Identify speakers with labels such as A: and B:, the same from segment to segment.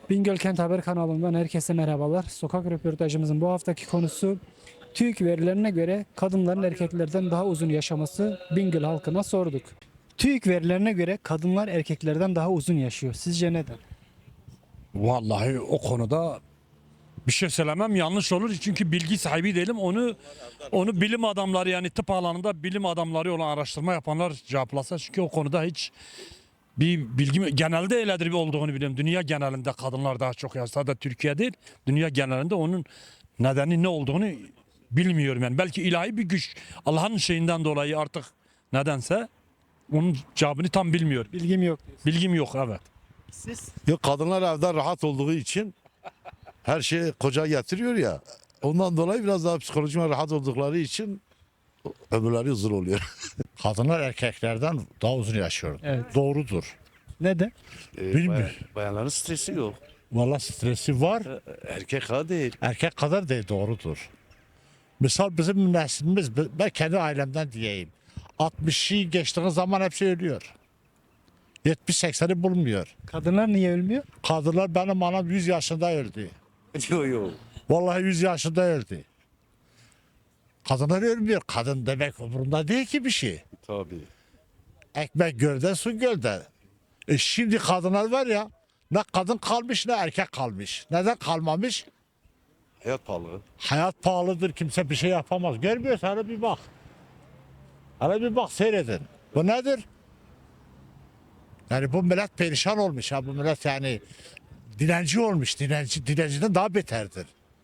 A: Bingöl Kent Haber kanalından herkese merhabalar. Sokak röportajımızın bu haftaki konusu TÜİK verilerine göre kadınların erkeklerden daha uzun yaşaması. Bingöl halkına sorduk. TÜİK verilerine göre kadınlar erkeklerden daha uzun yaşıyor. Sizce neden?
B: Vallahi o konuda bir şey söylemem yanlış olur çünkü bilgi sahibi değilim. Onu bilim adamları yani tıp alanında bilim adamları olan araştırma yapanlar cevaplasa çünkü o konuda hiç bir bilgi genelde öyledir olduğunu biliyorum. Dünya genelinde kadınlar daha çok yaşasa da Türkiye değil. Dünya genelinde onun nedeni ne olduğunu bilmiyorum yani. Belki ilahi bir güç Allah'ın şeyinden dolayı artık nedense onun cevabını tam bilmiyorum.
A: Bilgim yok.
B: Bilgim yok, evet.
A: Siz?
C: Yok, kadınlar evden rahat olduğu için her şeyi koca getiriyor ya. Ondan dolayı biraz daha psikolojik rahat oldukları için ömürleri uzun oluyor.
D: Kadınlar erkeklerden daha uzun yaşıyor.
A: Evet.
D: Doğrudur.
A: Neden?
D: Bilmiyorum.
E: Bayanların stresi yok.
D: Vallahi stresi var.
E: Erkek ha değil.
D: Erkek kadar değil, doğrudur. Misal bizim neslimiz, ben kendi ailemden diyeyim. 60'ı geçtiği zaman hepsi ölüyor. 70-80'i bulmuyor.
A: Kadınlar niye ölmüyor?
D: Kadınlar, benim anam 100 yaşında öldü.
E: Yok yok.
D: Vallahi 100 yaşında öldü. Kadınlar ölmüyor. Kadın demek umurunda değil ki bir şey.
E: Tabii.
D: Ekmek gölde, su gölde. Şimdi kadınlar var ya, ne kadın kalmış ne erkek kalmış. Neden kalmamış?
E: Hayat pahalı.
D: Hayat pahalıdır, kimse bir şey yapamaz. Görmüyorsan hele bir bak. Hele bir bak, seyredin. Bu nedir? Yani bu millet perişan olmuş ha, bu millet yani dilenci olmuş. Dilenciden daha beterdir.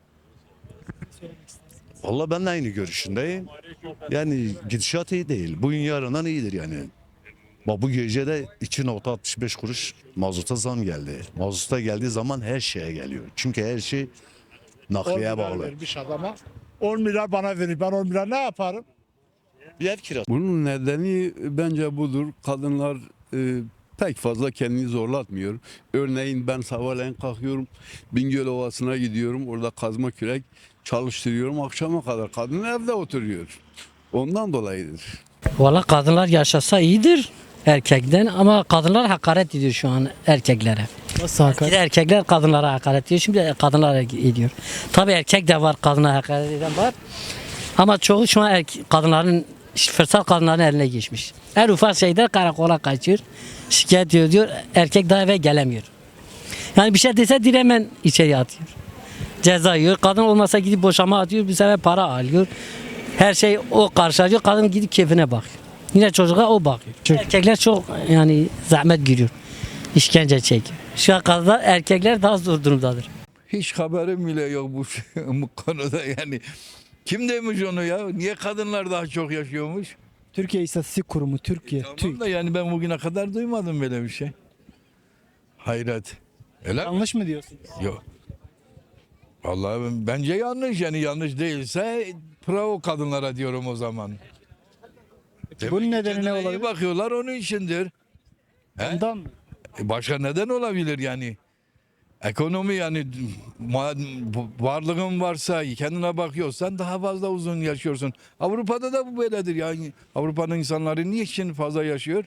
E: Vallahi ben de aynı görüşündeyim. Yani gidişat iyi değil. Bugün yarından iyidir yani. Bak bu gece de 2,65 kuruş mazota zam geldi. Mazota geldiği zaman her şeye geliyor. Çünkü her şey
D: 10
E: nakliye
D: milyar
E: bağlı.
D: vermiş adama. 10 milyar bana verir. Ben 10 milyar ne yaparım?
E: Bir ev kirası.
F: Bunun nedeni bence budur. Kadınlar pek fazla kendini zorlatmıyor. Örneğin ben sabahleyin kalkıyorum, Bingöl Ovası'na gidiyorum. Orada kazma kürek çalıştırıyorum. Akşama kadar kadın evde oturuyor. Ondan dolayıdır.
G: Valla kadınlar yaşasa iyidir erkekten ama kadınlar hakaret ediyor şu an erkeklere.
A: Nasıl
G: Bir de erkekler kadınlara hakaret ediyor. Şimdi kadınlar ediyor. Tabii erkek de var, kadına hakaret eden var. Ama çoğu şu an kadınların, fırsat kadınların eline geçmiş. Her ufak şeyde karakola kaçıyor. Şikayet ediyor. Erkek daha eve gelemiyor. Yani bir şey dese direkt hemen içeri atıyor. Ceza yiyor. Kadın olmasa gidip boşama atıyor. Bir sefer para alıyor. Her şey o karşılıyor. Kadın gidip keyfine bakıyor. Yine çocuğa o bakıyor. Erkekler çok yani zahmet giriyor. İşkence çekiyor. Şu an kadınlar, erkekler daha zor durumdadır.
H: Hiç haberim bile yok bu konuda yani. Kim demiş onu ya? Niye kadınlar daha çok yaşıyormuş?
A: Türkiye İstatistik Kurumu, Türkiye,
H: Tamam
A: TÜİK.
H: da yani ben bugüne kadar duymadım böyle bir şey. Hayret. Öyle mi?
A: Yanlış mı diyorsunuz?
H: Yok. Vallahi bence yanlış, yani yanlış değilse bravo kadınlara diyorum o zaman.
A: Bunun nedeni ne
H: Kendine iyi
A: olabilir?
H: bakıyorlar, onun içindir.
A: Ondan mı?
H: Başka neden olabilir yani? Ekonomi yani varlığın varsa kendine bakıyorsan daha fazla uzun yaşıyorsun. Avrupa'da da bu böyledir yani. Avrupa'nın insanları niçin fazla yaşıyor?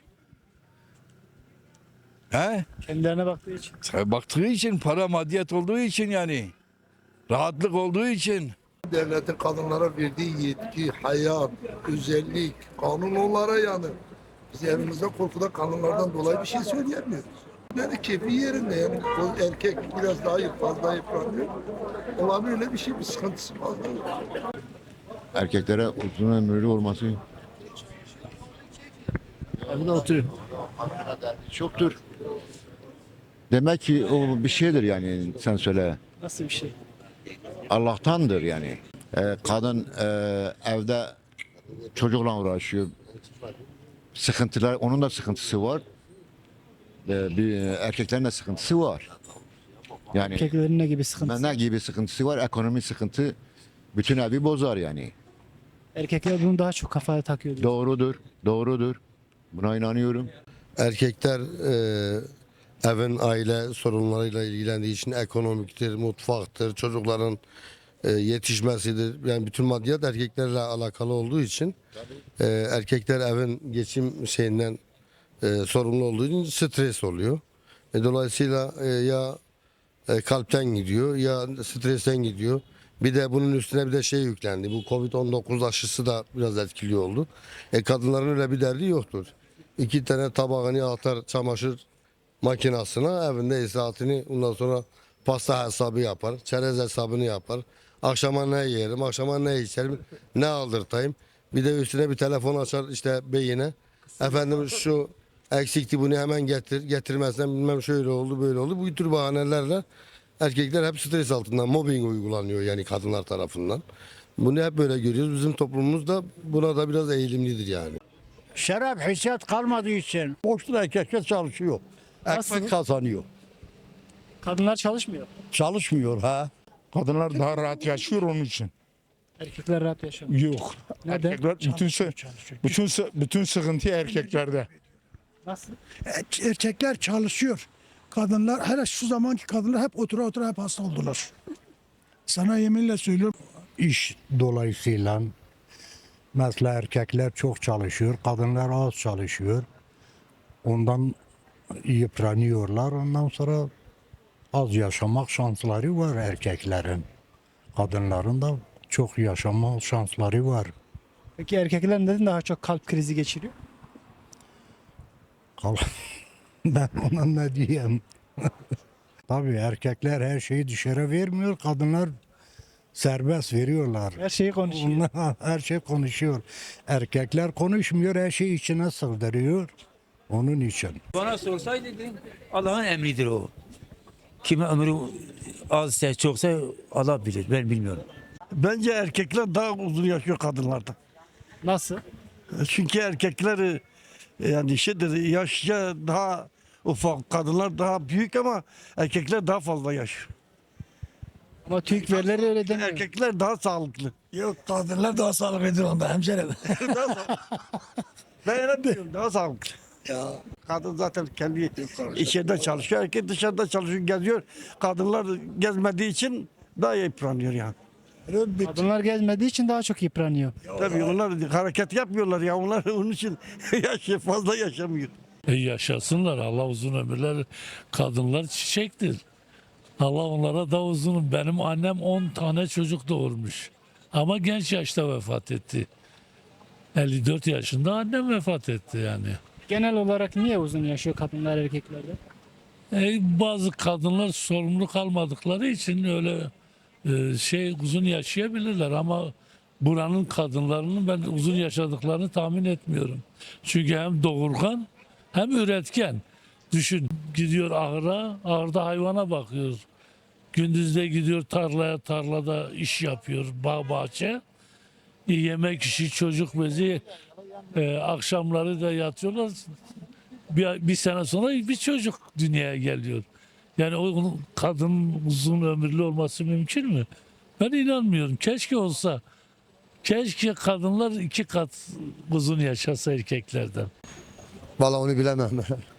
H: He?
A: Kendilerine baktığı için.
H: Baktığı için, para maddiyet olduğu için yani. Rahatlık olduğu için.
I: Devletin kadınlara verdiği yetki, hayat, özellik, kanun onlara yani. Biz evimizde korkuda kadınlardan dolayı bir şey söyleyemiyoruz. Yani keyfi yerinde yani o erkek biraz daha fazla yıpranıyor. Olabilir öyle bir şey, bir sıkıntısı fazla yok.
C: Erkeklere uzun ömürlü olması
D: Evde oturuyor.
C: çoktur. Demek ki o bir şeydir yani, sen söyle.
A: Nasıl bir şey?
C: Allah'tandır yani. Kadın evde çocukla uğraşıyor. Sıkıntılar, onun da sıkıntısı var. Bir erkeklerin de sıkıntısı var. Yani
A: Erkeklerin ne gibi sıkıntısı?
C: ne gibi sıkıntısı var? Ekonomi sıkıntı bütün evi bozar yani.
A: Erkekler bunu daha çok kafaya takıyor diyor.
C: Doğrudur, doğrudur. Buna inanıyorum.
I: Erkekler evin aile sorunlarıyla ilgilendiği için ekonomiktir, mutfaktır, çocukların yetişmesidir. Yani bütün maddiyat erkeklerle alakalı olduğu için erkekler evin geçim şeyinden sorumlu olduğu için stres oluyor. Dolayısıyla ya kalpten gidiyor ya stresten gidiyor. Bir de bunun üstüne bir de şey yüklendi. Bu Covid-19 aşısı da biraz etkili oldu. Kadınların öyle bir derdi yoktur. 2 tane tabağını atar çamaşır makinesine, evinde saatini, ondan sonra pasta hesabı yapar, çerez hesabını yapar. Akşama ne yerim, akşama ne içerim, ne aldırtayım. Bir de üstüne bir telefon açar işte beyine. Efendim şu eksikti, bunu hemen getir, getirmezsen bilmem şöyle oldu böyle oldu. Bu tür bahanelerle erkekler hep stres altında, mobbing uygulanıyor yani kadınlar tarafından. Bunu hep böyle görüyoruz. Bizim toplumumuz da buna da biraz eğilimlidir yani.
D: Şeref hissiyat kalmadığı için boşta erkekler çalışıyor.
A: Nasıl?
D: Ekmek kazanıyor.
A: Kadınlar çalışmıyor.
D: Çalışmıyor ha.
J: Kadınlar daha rahat yaşıyor onun için.
A: Erkekler rahat yaşamıyor.
J: Yok.
A: Neden?
J: Erkekler bütün sıkıntı erkeklerde.
A: Nasıl?
K: Erkekler çalışıyor. Kadınlar, hele şu zamanki kadınlar hep otura hep hasta oldular. Sana yeminle söylüyorum.
D: İş dolayısıyla mesela erkekler çok çalışıyor, kadınlar az çalışıyor. Ondan yıpranıyorlar. Ondan sonra az yaşamak şansları var erkeklerin. Kadınların da çok yaşama şansları var.
A: Peki erkekler neden daha çok kalp krizi geçiriyor?
D: Ben ona ne diyeyim? Tabii erkekler her şeyi dışarı vermiyor, kadınlar serbest veriyorlar.
A: Her şeyi konuşuyor.
D: Onlar her şey konuşuyor. Erkekler konuşmuyor, her şeyi içine sığdırıyor. Onun için.
L: Bana sorsaydı Allah'ın emridir o. Kime ömrü azsa çoksa Allah bilir. Ben bilmiyorum.
K: Bence erkekler daha uzun yaşıyor kadınlardan.
A: Nasıl?
K: Çünkü erkekler yani yaşça daha ufak, kadınlar daha büyük ama erkekler daha fazla yaşıyor.
A: Ama TÜİK verileri öyle demiyor.
K: Erkekler daha sağlıklı. Yok, kadınlar daha sağlıklıdır onda hemşerim. Ben öyle diyorum, daha sağlıklı. Ya. Kadın zaten kendi içeride çalışıyor, erkek dışarıda çalışıyor, geziyor. Kadınlar gezmediği için daha yıpranıyor yani.
A: Kadınlar gezmediği için daha çok yıpranıyor.
K: Tabii onlar hareket yapmıyorlar ya, onlar onun için fazla yaşamıyor.
B: Yaşasınlar. Allah uzun ömürler. Kadınlar çiçektir. Allah onlara da uzun. Benim annem 10 tane çocuk doğurmuş. Ama genç yaşta vefat etti. 54 yaşında annem vefat etti yani.
A: Genel olarak niye uzun yaşıyor kadınlar erkeklerden?
B: Bazı kadınlar sorumluluk almadıkları için öyle uzun yaşayabilirler ama buranın kadınlarının ben uzun yaşadıklarını tahmin etmiyorum. Çünkü hem doğurgan hem üretken. Düşün, gidiyor ahıra, ahırda hayvana bakıyor. Gündüzde gidiyor tarlaya, tarlada iş yapıyor, bağ bahçe. Yemek işi, çocuk bezi, akşamları da yatıyorlar. Bir sene sonra bir çocuk dünyaya geliyor. Yani onun kadın uzun ömürlü olması mümkün mü? Ben inanmıyorum. Keşke olsa. Keşke kadınlar 2 kat uzun yaşasa erkeklerden.
I: Vallahi onu bilemem.